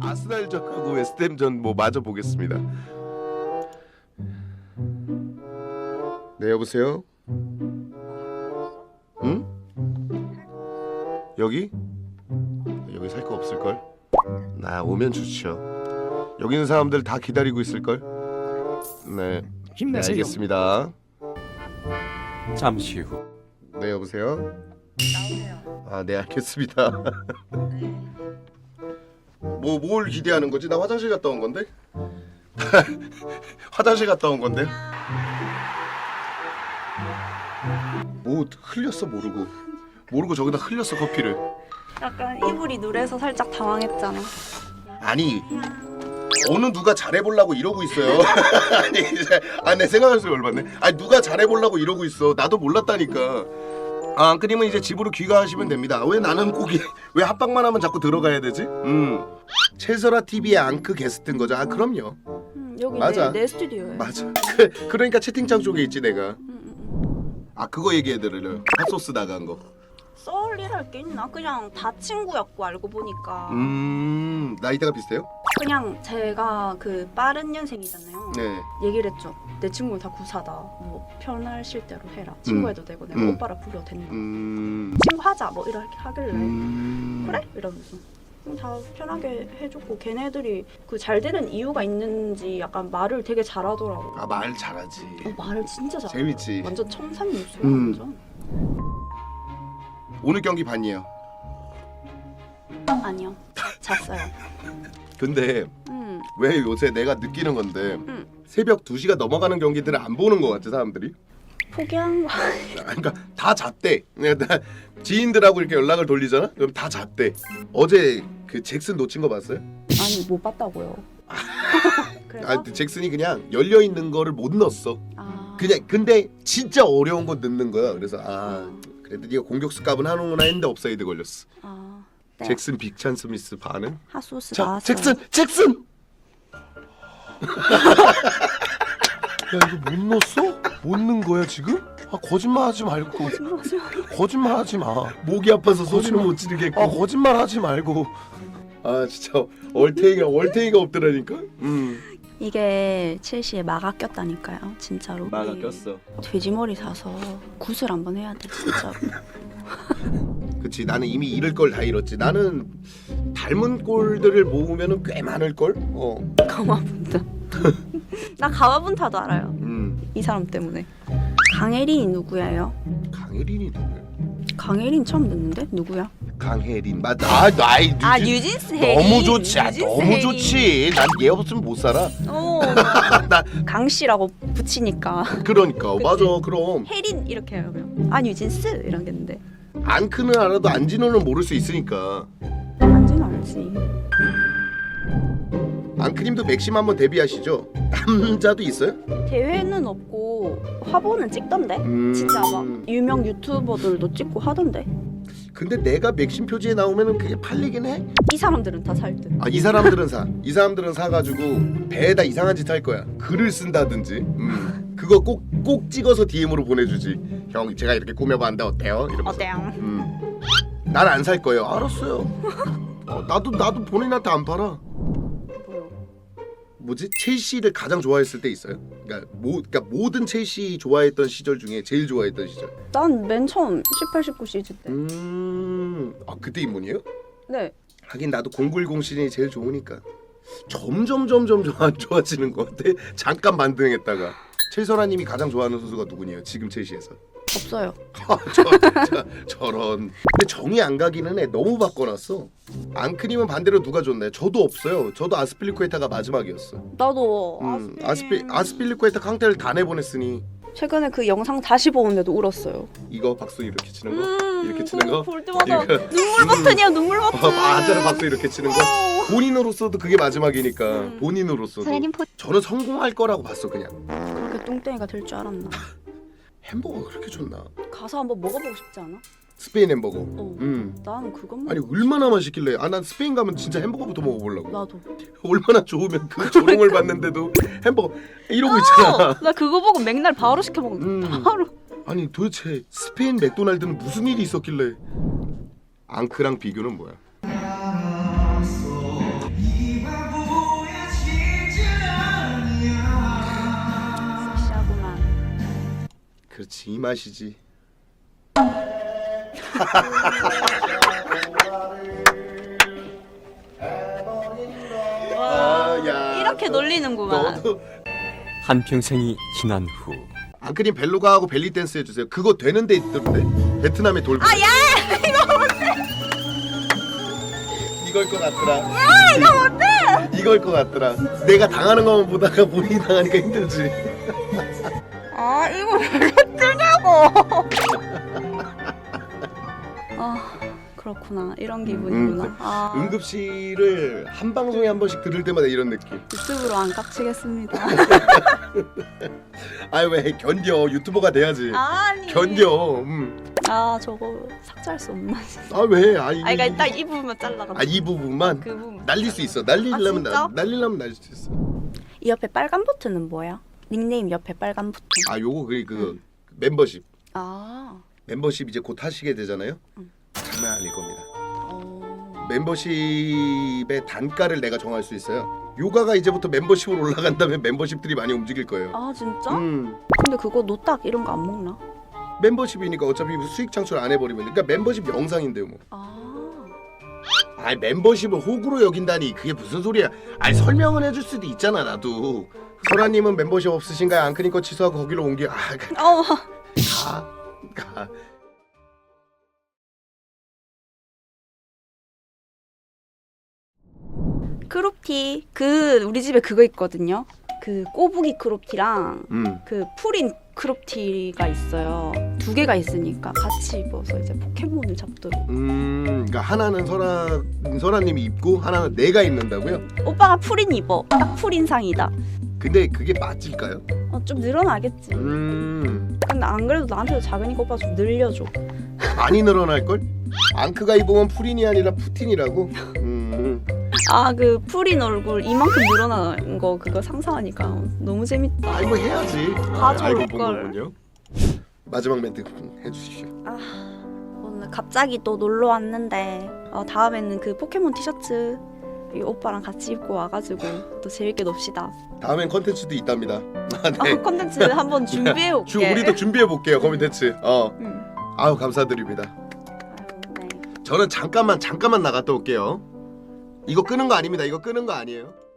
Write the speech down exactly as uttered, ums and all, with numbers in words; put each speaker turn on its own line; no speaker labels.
아스날전하고 웨스트햄전 뭐 마저 보겠습니다. 네, 여보세요? 응? 여기? 여기 살 거 없을걸? 나 오면 좋죠. 여기 있는 사람들 다 기다리고 있을걸? 네, 네
힘내세요.
알겠습니다.
잠시 후.
네, 여보세요?
나오세요.
아, 네, 알겠습니다.
네.
뭐 뭘 기대하는 거지? 나 화장실 갔다 온 건데? 화장실 갔다 온 건데? 뭐 흘렸어 모르고 모르고 저기다 흘렸어 커피를.
약간 이불이 누래서 살짝 당황했잖아.
아니 어느 누가 잘해보려고 이러고 있어요. 아니 이제 아내 생각할수록 열받네. 아니 누가 잘해보려고 이러고 있어. 나도 몰랐다니까. 아, 앙크님은 이제 집으로 귀가하시면 됩니다. 왜 나는 꼭 왜 합방만 하면 자꾸 들어가야 되지? 음 채설아 티비의 앙크 게스트인 거죠. 아 그럼요.
음, 여기
맞아.
내, 내 스튜디오예요.
맞아. 그, 그러니까 채팅창 쪽에 있지 내가.
음, 음,
아 그거 얘기해드려요. 핫소스 나간 거.
음. 썰 일할 게 있나? 그냥 다 친구였고 알고 보니까.
음 나이대가 비슷해요?
그냥 제가 그 빠른 년생이잖아요.
네.
얘기를 했죠. 내 친구는 다 구사다. 뭐 편하실 대로 해라. 친구해도 되고 내가
음.
오빠라 불러도 된다.
음.
친구 하자 뭐 이렇게 하길래
음.
그래? 이러면서 그럼 다 편하게 해줬고 걔네들이 그 잘 되는 이유가 있는지 약간 말을 되게 잘하더라고.
아 말 잘하지.
어, 말을 진짜 잘해.
재밌지.
완전 청산유수야.
음.
완전.
오늘 경기 봤니요?
아니요. 잤어요.
근데
음.
왜 요새 내가 느끼는 건데
음.
새벽 두 시가 넘어가는 경기들을 안 보는 것 같아 사람들이.
포기한 거.
그러니까 다 잤대. 그러니까 지인들하고 이렇게 연락을 돌리잖아. 그럼 다 잤대. 어제 그 잭슨 놓친 거 봤어요?
아니 못 봤다고요. 그래서
아 잭슨이 그냥 열려 있는 거를 못 넣었어.
아.
그냥 근데 진짜 어려운 거 넣는 거야. 그래서 아 그래도 네가 공격수 값은 하는구나 했는데 업사이드 걸렸어.
아. 네.
잭슨 빅찬 스미스 반응?
핫소스
자
나왔어요.
잭슨 잭슨. 야 이거 못 넣었어? 못 넣은 거야 지금? 아 거짓말하지 말고. 거짓말하지 마. 목이 아파서 소리는 못 지르겠고. 아 거짓말하지 말고. 아 진짜 얼탱이가 얼탱이가 없더라니까. 음.
이게 첼시에 마가 꼈다니까요. 진짜로.
마가
우리
꼈어.
돼지머리 사서 굿을 한번 해야 돼 진짜로.
그치 나는 이미 잃을 걸 다 잃었지. 나는 닮은 꼴들을 모으면은 꽤 많을 걸. 어.
가마분타. 나 가마분타도 알아요.
음.
이 사람 때문에. 강혜린이 누구예요?
강혜린이 누구야?
강혜린 처음 듣는데 누구야?
강혜린 맞. 아 나이 뉴진.
아 뉴진스 혜린.
너무 좋지. 아,
뉴진스
너무
혜린.
좋지. 난 얘 없으면 못 살아.
어.
나
강씨라고 붙이니까
그러니까
그치?
맞아. 그럼
혜린 이렇게 해요. 그냥. 아 뉴진스 이러겠는데.
안크는 알아도 안진호는 모를 수 있으니까.
안지는 알지.
앙크님도 맥심 한번 데뷔하시죠. 남자도 있어요?
대회는 없고 화보는 찍던데.
음.
진짜 막 유명 유튜버들도 찍고 하던데.
근데 내가 맥심 표지에 나오면은 그게 팔리긴 해.
이 사람들은 다 살 듯.
아 이 사람들은 사. 이 사람들은 사가지고 배에다 이상한 짓 할 거야. 글을 쓴다든지. 음. 그거 꼭 꼭 찍어서 디엠으로 보내주지. 형 제가 이렇게 꾸며봤는데 어때요? 이러면서.
어때요?
음. 난 안 살 거예요. 알았어요. 어, 나도 나도 본인한테 안 팔아.
뭐요?
뭐지? 첼시를 가장 좋아했을 때 있어요? 그러니까 모 그러니까 모든 첼시 좋아했던 시절 중에 제일 좋아했던 시절.
난 맨 처음 십팔, 십구 시즌 때.
음. 아 그때 입문이에요?
네.
하긴 나도 공구십 시즌이 제일 좋으니까. 점점 점점 좀 안 좋아지는 것 같아. 잠깐 반등했다가. 최선아님이 가장 좋아하는 선수가 누구냐? 지금 첼시에서.
없어요.
아, 저, 저, 저런. 근데 정이 안 가기는 해. 너무 바꿔놨어. 앙크님은 반대로 누가 좋나요? 저도 없어요. 저도 아스필리쿠에타가 마지막이었어.
나도
음,
아스필...
아스피 아스필리쿠에타 캉테를 다 내보냈으니
최근에 그 영상 다시 보는데도 울었어요.
이거 박수 이렇게 치는 거,
음,
이렇게 치는 거,
볼 때마다
이거.
눈물 버튼이야 눈물 버튼.
어, 맞아요 박수 이렇게 치는 거. 본인으로서도 그게 마지막이니까
음.
본인으로서도.
사장님 포
저는 성공할 거라고 봤어 그냥.
그렇게 똥땡이가 될 줄 알았나.
햄버거가 그렇게 좋나?
가서 한번 먹어보고 싶지 않아?
스페인 햄버거.
어.
음.
나는 그것만.
아니 얼마나 맛있길래? 아 난 스페인 가면 진짜 햄버거부터 먹어보려고.
나도.
얼마나 좋으면 그 조롱을 받는데도 햄버거 이러고 있잖아.
나 그거 보고 맥날 바로 시켜 먹는.
음.
바로.
아니 도대체 스페인 맥도날드는 무슨 일이 있었길래? 앙크랑 비교는 뭐야? 그렇지 이 맛이지.
와,
아, 야.
이렇게 놀리는구만.
너도
한평생이 지난 후
앙크님 벨로가하고 벨리 댄스 해주세요. 그거 되는 데 있던데. 베트남의 돌.
아, 야! 이거
이걸 것 같더라.
야, 이거 못해!
이걸 것 같더라. 내가 당하는 것만 보다가 본인이 당하니까 힘들지.
아, 이거 왜 뜨냐고! 아, 그렇구나. 이런 기분이구나.
음,
아,
응급실을 한 방송에 한 번씩 들을 때마다 이런 느낌.
유튜브로 안 깍치겠습니다.
아유 왜 견뎌. 유튜버가 돼야지.
아니.
견뎌. 음.
아, 저거 삭제할 수 없나?
아 왜? 아, 이,
아, 그러니까 딱 이 부분만 잘라가지고.
아, 이 부분만
그 부분.
날릴 수 있어. 날리려면
아, 진짜?
나, 날리려면 날릴 수 있어.
이 옆에 빨간 버튼은 뭐야? 닉네임 옆에 빨간 버튼.
아 요거 그, 그
음.
멤버십.
아.
멤버십 이제 곧 하시게 되잖아요.
음.
장난 아닐 겁니다.
어.
멤버십의 단가를 내가 정할 수 있어요. 요가가 이제부터 멤버십으로 올라간다면 멤버십들이 많이 움직일 거예요.
아, 진짜?
음.
근데 그거 노딱 이런 거 안 먹나?
멤버십이니까 어차피 수익 창출 안 해버리면 그러니까 멤버십 영상인데요 뭐.
아.
아이 멤버십을 호구로 여긴다니 그게 무슨 소리야. 아니 설명은 해줄 수도 있잖아 나도. 소라님은 멤버십 없으신가요? 앙크님 거 취소하고 거기로 옮겨. 아 가.
어.
가. 가.
크롭티. 그 우리 집에 그거 있거든요. 그 꼬부기 크롭티랑
음.
그 풀인 크롭티가 있어요. 두 개가 있으니까 같이 입어서 이제 포켓몬을 잡도록.
음. 그러니까 하나는 소라 소라님이 입고 하나는 내가 입는다고요?
오빠가 풀인 입어. 딱 풀인상이다.
근데 그게 맞을까요?
어, 좀 늘어나겠지.
음.
근데 안 그래도 나한테도 작으니까 오빠 좀 늘려줘.
많이 늘어날 걸? 앙크가 입으면 푸린이 아니라 푸틴이라고. 음.
아, 그 풀인 얼굴 이만큼 늘어난 거 그거 상상하니까 너무 재밌다.
아이고 해야지.
가져올
알고 본
걸.
거군요. 마지막 멘트 해주시죠.
아, 오늘 갑자기 또 놀러 왔는데 어, 다음에는 그 포켓몬 티셔츠 이 오빠랑 같이 입고 와가지고 또 재밌게 놉시다.
다음엔 컨텐츠도 있답니다. 아, 네.
어, 컨텐츠 한번 준비해 올게.
주 우리도 준비해 볼게요. 컨텐츠. 어.
응.
아우 감사드립니다.
아유, 네.
저는 잠깐만 잠깐만 나갔다 올게요. 이거 끄는 거 아닙니다. 이거 끄는 거 아니에요.